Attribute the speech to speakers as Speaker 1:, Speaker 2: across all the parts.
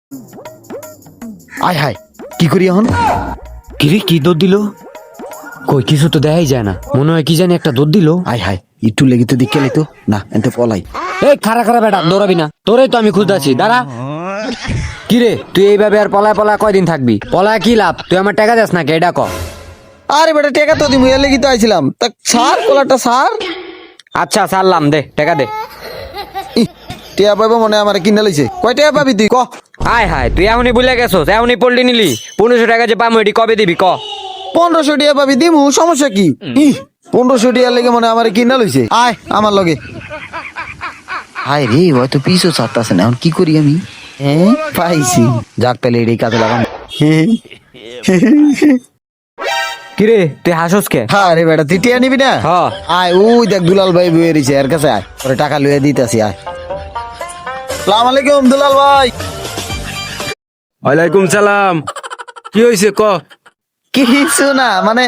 Speaker 1: আয় হায় কি করি এখন?
Speaker 2: কিরে কি দৌড় দিল? কই কিছু তো দেখাই যায় না, মনে হয় কি জানি একটা দৌড় দিল।
Speaker 1: আয় হায় একটু লেগে তো দেখে তো না এতে পলাই।
Speaker 2: এই খারা খারা বেটা দৌড়াবি না, তোরেই তো আমি খুঁজতেছি, দাঁড়া। কিরে তুই এইভাবে আর পলায় পলায় কয়দিন থাকবি? পলায় কি লাভ? তুই আমার টাকা দেস নাকি এটা ক।
Speaker 1: আরে বেটা টেকা তো দিমু এর লাগি তো আইছিলাম তা সার কলাটা সার।
Speaker 2: আচ্ছা ছাড়লাম, দে টাকা দে।
Speaker 1: টিয়া পাইবো মনে আমার কিনে লইছে কয় টাকা পাবি তুই ক?
Speaker 2: আয় হায় তুই এমনই ভুলে গেছোস, এমনই পল্লি নিলি। 1500 টাকা যে পাবো এটি কবে দিবি ক?
Speaker 1: 1500 টাকা পাবি দিমু, সমস্যা কি? 1500 টাকা লেগে মনে আমার কিনা লইছে। আয় আমার লগে। হায় রে হয়তো পিছু ছাড়তাছে না, এখন কি করি আমি? হ্যাঁ পাইছি, যাক তাহলে এটাই কাজে লাগাম।
Speaker 2: কিরে তুই হাসোস কে?
Speaker 1: আরে বেটা তুই টিয়া নিবি না?
Speaker 2: হ্যাঁ।
Speaker 1: আয় ওই দেখ দুলাল ভাই বয়ে রয়েছে এর কাছে, আয় ওরে টাকা লইয়া দিতেছি। আয় সালাম আলাইকুম দুলাল ভাই।
Speaker 3: ওয়ালাইকুম সালাম। কি হয়েছে ক?
Speaker 1: কিছু না মানে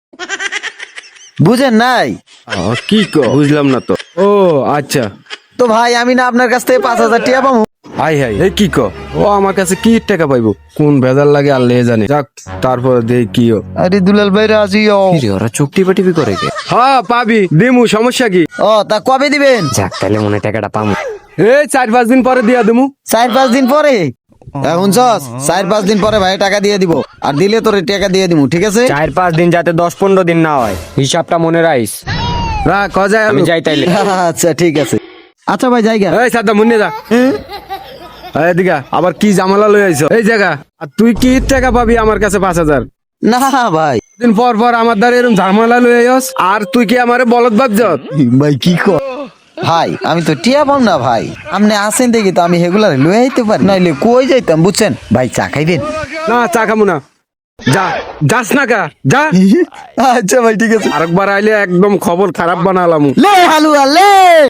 Speaker 1: বুঝেন নাই
Speaker 3: কি ক বুঝলাম না তো। ও আচ্ছা।
Speaker 1: তো ভাই আমি না আপনার কাছ থেকে 5000 টাকা পাবো।
Speaker 3: হাই হাই এই কি ক? ও আমার কাছে কি টাকা পাইবো? কোন ভেজাল লাগে আল্লাহ জানে। যাক তারপর দেই কি ও।
Speaker 1: আরে দুলাল ভাই রাজি
Speaker 2: ওরা চুক্তি পাটিপি করে কে?
Speaker 3: হ্যাঁ পাবি দিমু, সমস্যা কি?
Speaker 1: ও তা কবে দিবেন?
Speaker 2: যাক তাহলে মনে হয় টাকাটা পাবো।
Speaker 3: এই 4-5 দিন পরে দিয়া দিমু।
Speaker 1: 4-5 দিন পরে? এখন 4-5 দিন পরে ভাই টাকা দিয়ে দিব, আর দিলে তোরে টাকা দিয়ে দিমু, ঠিক আছে?
Speaker 2: 4-5 দিন যাতে 10-15 দিন না হয়, হিসাবটা মনে রাখিস।
Speaker 3: রা ক যায়
Speaker 2: আমি যাই তাইলে।
Speaker 1: আচ্ছা ঠিক আছে। আচ্ছা ভাই জায়গা
Speaker 3: এই সাদা মুন্নে যা। এই দিগা আবার কি জামালা লই আইছো এই জায়গা? আর তুই কি টাকা পাবি আমার কাছে 5000?
Speaker 1: না ভাই।
Speaker 3: দিন পর পর আমার দ্বারা এরকম ঝামেলা লই আইস, আর তুই কি আমারে বলদ ভাবছত?
Speaker 1: ভাই কি কর ভাই, আমি তো টিয়া পাম না ভাই, আপনি আসেন দেখি তো আমি হেগুলার লয়ে আইতে পারি, নাইলে কই যাইতাম বুঝছেন ভাই। চা খাইবেন?
Speaker 3: না চা খামু না। যা যাস না কা যা।
Speaker 1: আচ্ছা ভাই ঠিক আছে।
Speaker 3: আরেকবার আইলে একদম খবর খারাপ বানালাম।
Speaker 1: লে হালুয়া লে।